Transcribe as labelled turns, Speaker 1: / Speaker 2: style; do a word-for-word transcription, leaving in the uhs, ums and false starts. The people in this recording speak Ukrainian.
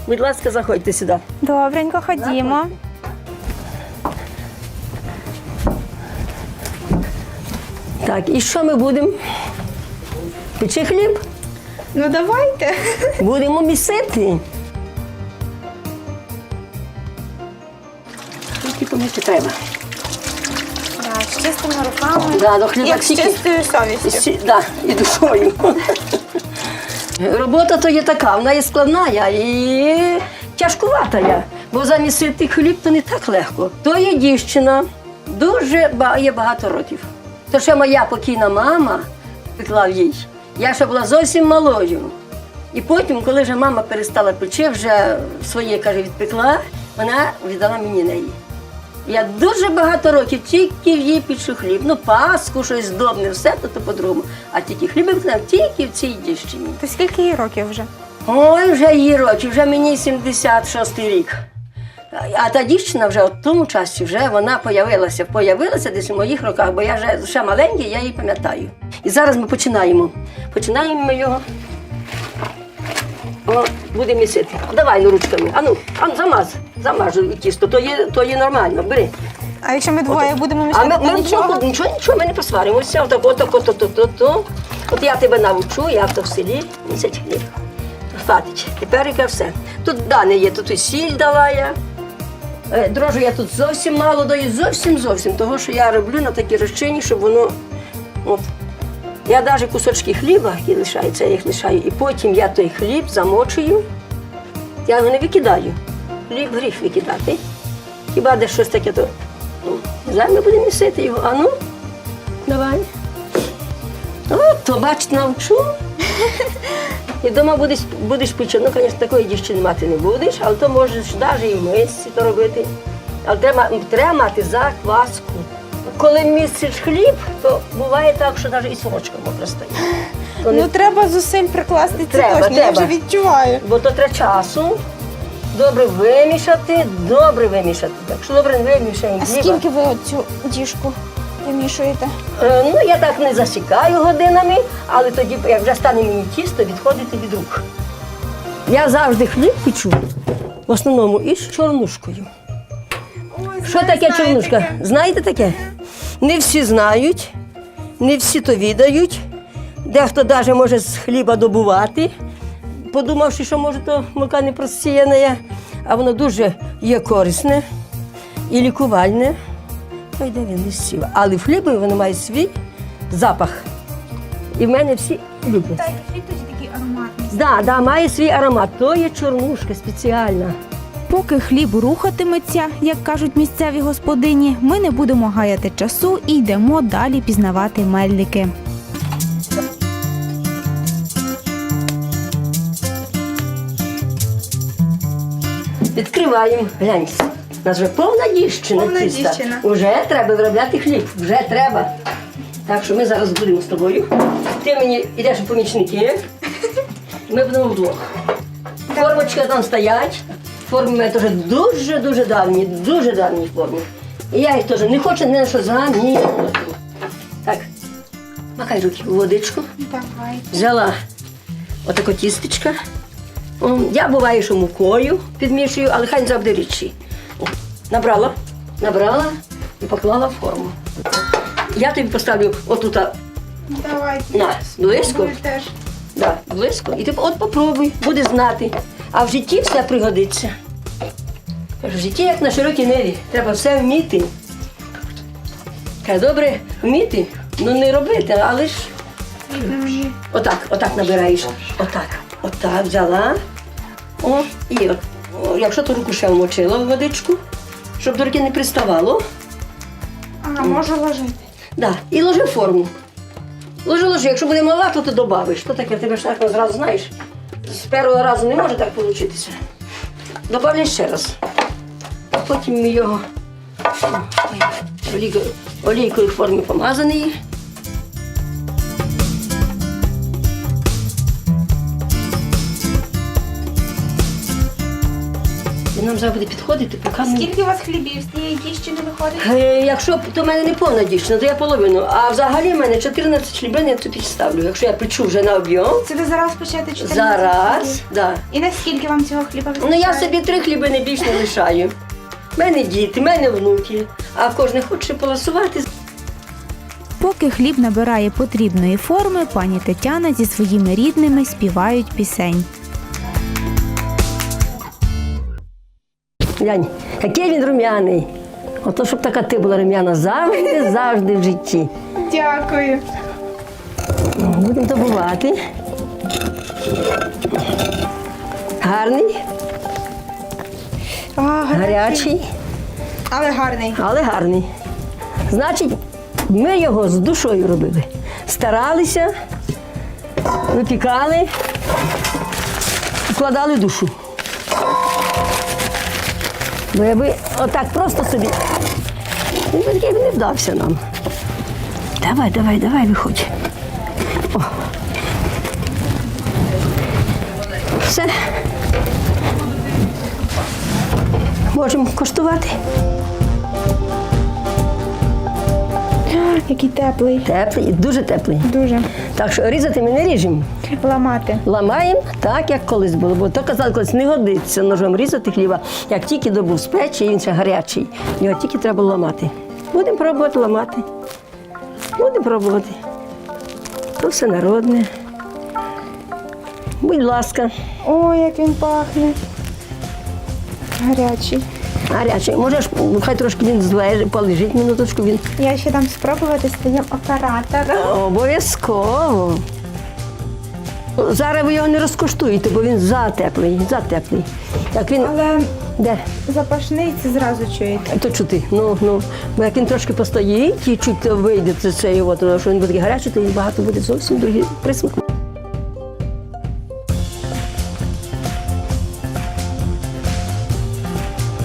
Speaker 1: Будь ласка, заходьте сюди.
Speaker 2: Добренько, ходімо.
Speaker 1: Так, і що ми будемо? Печи хліб?
Speaker 2: Ну давайте.
Speaker 1: Будемо місити. Скільки помити треба?
Speaker 2: Да, з чистими руками.
Speaker 1: Да, до хліба
Speaker 2: Як з
Speaker 1: стільки-
Speaker 2: чистою совістю.
Speaker 1: Сі- Да, і душою. Робота то є така, вона є складна і тяжкувата. я. Бо замісити хліб то не так легко. То є дівчина, дуже ба- є багато років. То ще моя покійна мама пекла їй. Я ще була зовсім малою. І потім, коли вже мама перестала печи, вже своє, каже, відпекла, вона віддала мені неї. Я дуже багато років тільки в їй печу хліб. Ну, паску, щось здобне, все то, то по-другому. А тільки хліб випекла тільки в цій дівчині.
Speaker 2: То скільки їй років вже?
Speaker 1: Ой, вже їй років, вже мені сімдесят шостий рік. А та дівчина вже в тому часі вже вона появилася, появилася десь у моїх роках, бо я вже ще маленький, я її пам'ятаю. І зараз ми починаємо. Починаємо ми його. О, будемо місити. Давай ну, ручками. Ану, ану, замаз, замаж тісто, то є, то є нормально, бери.
Speaker 2: А якщо ми двоє будемо
Speaker 1: А
Speaker 2: мішати,
Speaker 1: ми,
Speaker 2: то
Speaker 1: ми
Speaker 2: нічого?
Speaker 1: нічого, нічого, нічого, ми не посваримося. Отак, отак, отак, отак, отак. От я тебе навчу, як то в селі місять хліб. Хватить. Тепер яке все. Тут дане є, тут і сіль дала я. Е, Дрожжу я тут зовсім мало даю, зовсім зовсім. Того, що я роблю на такій розчині, щоб воно. От. Я навіть кусочки хліба, які лишаються, я їх лишаю, і потім я той хліб замочую. Я його не викидаю. Хліб гріх викидати. Хіба де щось таке, то ну, зараз ми будемо місити його. А ну, давай. О, то бачите, навчу. І вдома будеш, будеш печи. Ну, звісно, такої дівчини мати не будеш, але то можеш навіть і в мисці то робити. Але треба, треба мати закваску. Коли місиш хліб, то буває так, що навіть і сорочка мокра стає. То не-
Speaker 2: Ну треба зусиль прикласти, це
Speaker 1: Треба,
Speaker 2: точно, я
Speaker 1: треба.
Speaker 2: вже відчуваю.
Speaker 1: Бо то треба часу. Добре вимішати, добре вимішати. Якщо добре не вимішаємо
Speaker 2: А
Speaker 1: хліба.
Speaker 2: скільки ви оцю діжку вимішуєте?
Speaker 1: Е, Ну, я так не засікаю годинами, але тоді, як вже стане мені тісто, відходити від рук. Я завжди хліб печу, в основному із чорнушкою.
Speaker 2: Ой,
Speaker 1: Що таке чорнушка? Знаєте таке? Не всі знають, не всі то відають. Дехто навіть може з хліба добувати, подумавши, що може то мука не просіяна, а воно дуже є корисне і лікувальне. Ой, де він не сів. Але в хлібі воно має свій запах. І в мене всі люблять.
Speaker 2: Так, хліб тоді такий ароматний.
Speaker 1: Да, да, має свій аромат. То є чорнушка спеціальна.
Speaker 3: Поки хліб рухатиметься, як кажуть місцеві господині, ми не будемо гаяти часу і йдемо далі пізнавати мельники.
Speaker 1: Відкриваємо. Гляньте. У нас вже повна дівчина
Speaker 2: Повна
Speaker 1: тіста.
Speaker 2: дівчина.
Speaker 1: Уже треба виробляти хліб. Вже треба. Так що ми зараз будемо з тобою. Ти мені йдеш у помічники. Ми будемо вдвох. Формочка там стоять. Форми в мене теж дуже-дуже давні, дуже давні форми. І я їх теж не хочу ні на що замінювати. Так, макай руки у водичку.
Speaker 2: Давай.
Speaker 1: Взяла отако тістечка. О, Я буваю, що мукою підмішую, але хай не завжди рідші. О, Набрала, набрала і поклала в форму. Я тобі поставлю отут
Speaker 2: Давай.
Speaker 1: на близько.
Speaker 2: теж.
Speaker 1: Да, близько. І ти от попробуй, буде знати. А в житті все пригодиться. В житті, як на широкій ниві, треба все вміти. Каже, добре вміти, ну не робити, але ж отак, отак набираєш. Отак, отак взяла. О, і от, о, якщо ту руку ще вмочила в водичку, щоб до руки не приставало.
Speaker 2: Ага, можу ложити.
Speaker 1: Да, і ложи в форму. Ложи, ложи. Якщо буде мала, то ти добавиш. Що таке? Ти ж так зразу знаєш. З першого разу не може так вийти. Добавляй ще раз. А потім ми його ой, олійкою, олійкою в формі помазаний. бо нам зараз буде підходити, поки ми...
Speaker 2: Скільки у вас хлібів з тієї діщини виходить?
Speaker 1: Е, Якщо то в мене не повна дівчина, то я половину. А взагалі в мене чотирнадцять хлібин я тут ставлю. Якщо я печу вже на об'єм,
Speaker 2: Це ви зараз печете чотирнадцять
Speaker 1: зараз,
Speaker 2: хлібів?
Speaker 1: да.
Speaker 2: І наскільки вам цього хліба вистачає?
Speaker 1: Ну я собі три хлібини більш не лишаю. У мене діти, в мене внуки, а кожен хоче поласувати.
Speaker 3: Поки хліб набирає потрібної форми, пані Тетяна зі своїми рідними співають пісень.
Speaker 1: Глянь, який він рум'яний. Ото, щоб така ти була рум'яна завжди, завжди в житті.
Speaker 2: Дякую.
Speaker 1: Будемо добувати. Гарний,
Speaker 2: А,
Speaker 1: гарячий,
Speaker 2: Але гарний.
Speaker 1: але гарний. Значить, ми його з душою робили. Старалися, випікали, вкладали душу. Бо якби отак просто собі, він би такий не вдався нам. Давай, давай, давай, виходь. О. Все. Можемо коштувати.
Speaker 2: Який теплий.
Speaker 1: Теплий, дуже теплий.
Speaker 2: Дуже.
Speaker 1: Так що різати ми не ріжемо.
Speaker 2: Ламати.
Speaker 1: Ламаємо так, як колись було. Бо то казали, колись не годиться ножом різати хліба, як тільки добув з печі, він ще гарячий. Його тільки треба ламати. Будемо пробувати ламати. Будемо пробувати. То все народне. Будь ласка,
Speaker 2: Ой, як він пахне. Гарячий.
Speaker 1: гарячий. Можеш, хай трошки він злежить, полежить минуточку. Він
Speaker 2: Я ще дам спробувати своїм оператором.
Speaker 1: обов'язково. Зараз ви його не розкоштуєте, бо він затеплий, затеплий. Як він...
Speaker 2: Але
Speaker 1: Де?
Speaker 2: запашний це зразу чуєте.
Speaker 1: То чути, ну, ну, бо як він трошки постоїть і чуть вийде це, це його, тому що він буде гарячий, то він багато буде зовсім другий присмак.